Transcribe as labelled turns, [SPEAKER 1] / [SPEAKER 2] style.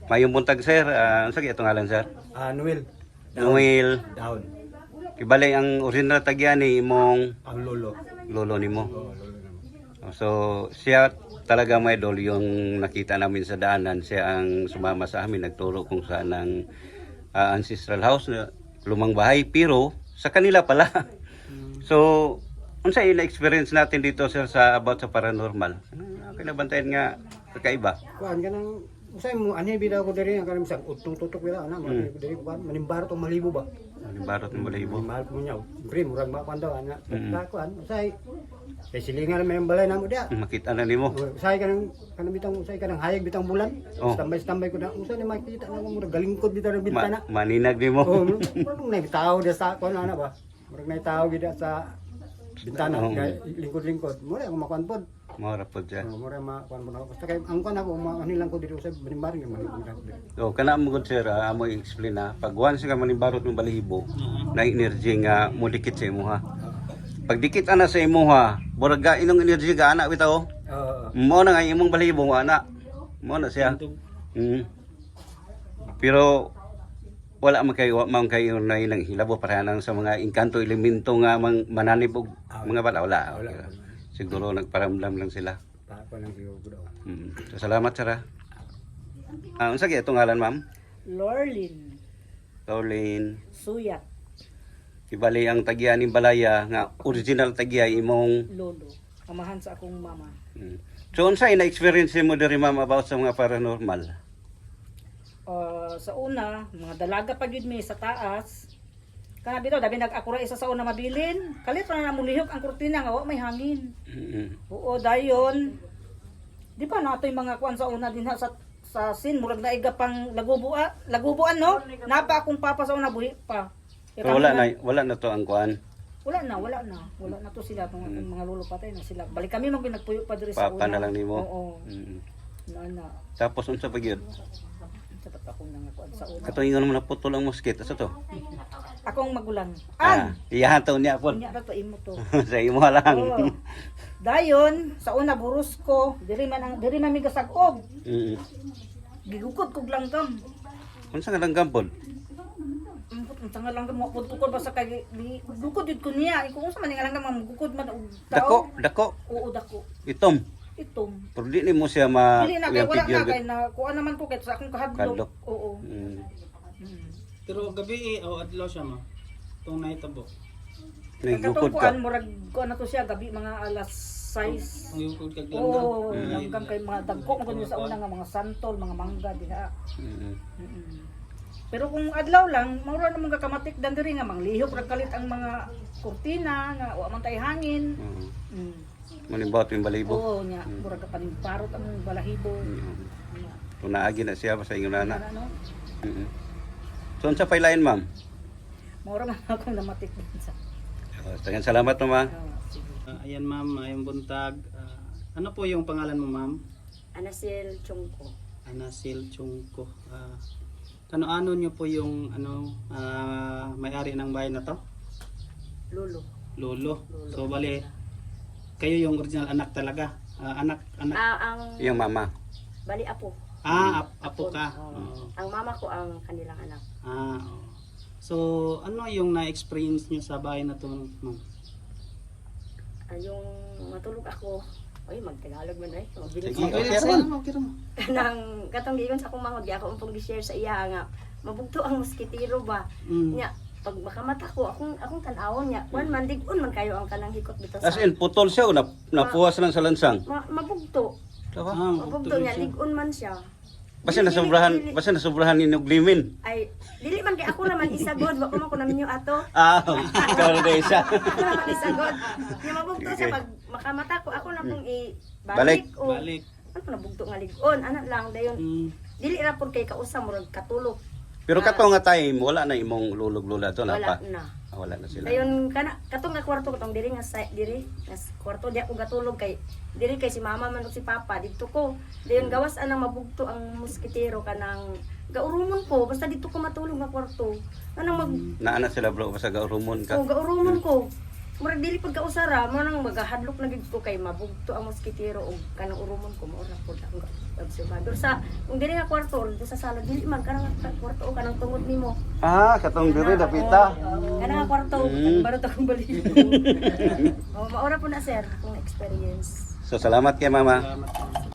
[SPEAKER 1] Mayong buntag sir, ano sa itong ngalan sir?
[SPEAKER 2] Noel.
[SPEAKER 1] Noel.
[SPEAKER 2] Down.
[SPEAKER 1] Kibali ang original tagyan ni imong
[SPEAKER 2] Ang lolo.
[SPEAKER 1] lolo nimo.
[SPEAKER 2] Oo, lolo naman.
[SPEAKER 1] So siya talaga may idol yung nakita namin sa daanan. Siya ang sumama sa amin, nagturo kung saan ang ancestral house na lumang bahay pero sa kanila pala. So unsa yung experience natin dito sir sa about sa paranormal? Kinabantayan nga kakaiba.
[SPEAKER 2] Kuan kanang usay mo ani bida ko diri ang kanang sang utong tutok bida ana mo diri kuan manimbaro tong malibo ba.
[SPEAKER 1] Barot ng balahibo.
[SPEAKER 2] Mahal ko niya. Pre murag ba kuan daw ana. Kuan usay kay silingan may balay namo dia.
[SPEAKER 1] Makita na nimo.
[SPEAKER 2] Usay kanang bitang usay kanang hayag bitang bulan.
[SPEAKER 1] Oh.
[SPEAKER 2] Standby ko na usay ni makita na ko murag galingkod bitaw ng bintana.
[SPEAKER 1] Maninag nimo.
[SPEAKER 2] Oh, murag nagtao dia sa kuan ana ba. Murag nagtao gid sa bintana lingkod-lingkod. Mura ako makuan pod.
[SPEAKER 1] Mora po dyan.
[SPEAKER 2] Mura makuan mo na. Basta kay ang kuan ako manilang ko dito sa Banimbaro nga manilang.
[SPEAKER 1] So, kana mo gud sir, amo i-explain na. Pag once ka manibarot ng balahibo, na energy nga mo dikit sa imuha. Pag dikit ana sa imuha, murag ga inong energy ga ana bitaw. Mo na nga imong balahibo nga ana. Mo na siya. Pero wala man kayo na ilang hilabo para nang sa mga engkanto elemento nga mananib og mga bala wala. Siguro nagparamdam lang sila.
[SPEAKER 2] Pa lang siguro ko daw.
[SPEAKER 1] So, salamat sir. Unsa gyud itong ngalan ma'am?
[SPEAKER 3] Lorlin
[SPEAKER 1] Pauline.
[SPEAKER 3] Suyak
[SPEAKER 1] Ibali ang tagya ni Balaya nga original tagya imong.
[SPEAKER 3] lolo. Amahan sa akong mama.
[SPEAKER 1] So unsay na experience mo diri ma'am about sa mga paranormal?
[SPEAKER 3] Sa una, mga dalaga pa gyud mi sa taas. Kana dito dabi nag-akura isa sa una mabilin. Kalit ra na mulihok ang kurtina nga wa may hangin. Oo, dayon. Di pa natoy mga kuan sa una dinha sa sin murag naiga pang lagubuan no. Napa akong papa sa una buhi pa.
[SPEAKER 1] So wala na to ang kuan.
[SPEAKER 3] Wala na to sila tong mga lolo patay na sila. Balik kami mag nagpuyo pa diri sa una.
[SPEAKER 1] Papa na lang nimo.
[SPEAKER 3] Oo. Na.
[SPEAKER 1] Tapos unsa pa gyud?
[SPEAKER 3] Sapat akong nangakuan sa una.
[SPEAKER 1] Kato ingon mo na putol ang mosquito sa to.
[SPEAKER 3] Akong magulang.
[SPEAKER 1] Iyahan to niya po.
[SPEAKER 3] Nya ra to imo to.
[SPEAKER 1] Sa imo lang.
[SPEAKER 3] Oo. Dayon sa una burus ko, diri man mi gasag-og. Gigukod kog langgam.
[SPEAKER 1] Unsa nga langgam pod?
[SPEAKER 3] Ang tanga langgam mo pud basta kay gugukod jud ko niya. Iko unsa man nga langgam magugukod man og
[SPEAKER 1] Dako.
[SPEAKER 3] Oo, dako.
[SPEAKER 1] Itom.
[SPEAKER 3] Itom.
[SPEAKER 1] Pero di nimo siya ma
[SPEAKER 3] Dili na kay wala na kay na kuan naman ko kay sa akong kahadlok. Oo.
[SPEAKER 4] Pero gabi adlaw siya ma. Tong nahitabo.
[SPEAKER 1] Nagukod ka.
[SPEAKER 3] Kuan murag kuan na to siya gabi mga alas 6.
[SPEAKER 4] Ang yukod kag
[SPEAKER 3] Oo,
[SPEAKER 4] langgam.
[SPEAKER 3] langgam kay mga dagko mo kunya sa una nga mga santol, mga mangga diha. Pero kung adlaw lang, maura namang kakamatik dan diri nga manglihok ra kalit ang mga kurtina nga wa man tay hangin.
[SPEAKER 1] Manimbot yung balahibo.
[SPEAKER 3] Oo nya, murag ka panimparot ang balahibo.
[SPEAKER 1] Kung naagi na siya sa inyo nana.
[SPEAKER 3] Ano?
[SPEAKER 1] So unsa pay lain ma'am?
[SPEAKER 3] Maura man akong namatik din sa.
[SPEAKER 1] Daghang salamat ma'am.
[SPEAKER 3] Sige.
[SPEAKER 4] Ayan ma'am, ayong buntag. Ano po yung pangalan mo ma'am?
[SPEAKER 5] Anasil Chungko.
[SPEAKER 4] Anasil Chungko. Ano nyo po yung may-ari ng bahay na to?
[SPEAKER 5] Lolo.
[SPEAKER 4] Lolo. So bali, kayo yung original anak talaga. Anak.
[SPEAKER 5] Ang
[SPEAKER 1] Yung mama.
[SPEAKER 5] bali apo.
[SPEAKER 4] Apo ka.
[SPEAKER 5] Oo. Ang mama ko ang kanilang anak.
[SPEAKER 4] Oo. So, ano yung na-experience nyo sa bahay na to ma'am?
[SPEAKER 5] Yung matulog ako. Oy, magtagalog man ay. Mabilis.
[SPEAKER 1] Sige.
[SPEAKER 4] Okay ra mo.
[SPEAKER 5] Kanang katong giingon sa akong mga di ako umpong gi-share sa iya nga mabugto ang moskitero ba. Nya pag makamata ko akong tan-awon nya kuan man dig-on man kayo ang kanang hikot bitaw sa.
[SPEAKER 1] As in putol siya o napuwas lang sa lansang.
[SPEAKER 5] Mabugto. Mabugto nya dig-on man siya.
[SPEAKER 1] Basta nasobrahan ni Nuglimin.
[SPEAKER 5] Ay dili man kay ako naman isagod wa ko man ko naminyo ato.
[SPEAKER 1] Ikaw na isa.
[SPEAKER 5] Ako naman isagod. Nya mabugto siya pag makamata ko ako na pong ibalik o
[SPEAKER 4] Balik.
[SPEAKER 5] ano nabugto nga lig-on ana lang dayon dili ra pud kay kausa murag katulog
[SPEAKER 1] Pero kato nga time, wala na imong lulog-lula to na
[SPEAKER 5] wala
[SPEAKER 1] pa.
[SPEAKER 5] na
[SPEAKER 1] Wala na sila.
[SPEAKER 5] dayon kana katong nga kwarto katong diri nga diri nga kwarto di ako gatulog kay diri kay si mama man ug si papa didto ko dayon gawas anang mabugto ang moskitero kanang gaurumon ko basta dito ko matulog nga kwarto anang
[SPEAKER 1] Naana sila bro, basta gaurumon ka.
[SPEAKER 5] gaurumon ko murag dili pud ka usara mo nang magahadlok na gid ko kay mabugto ang moskitero og kanang urumon ko mao ra pud ang obserbador sa kung dili nga kwarto or sa sala dili man kanang kwarto o kanang tungod nimo.
[SPEAKER 1] Katong diri dapita.
[SPEAKER 5] Kanang kwarto barot akong balik. Oh, mao ra pud na sir kung experience.
[SPEAKER 1] So salamat kay mama.
[SPEAKER 4] Salamat.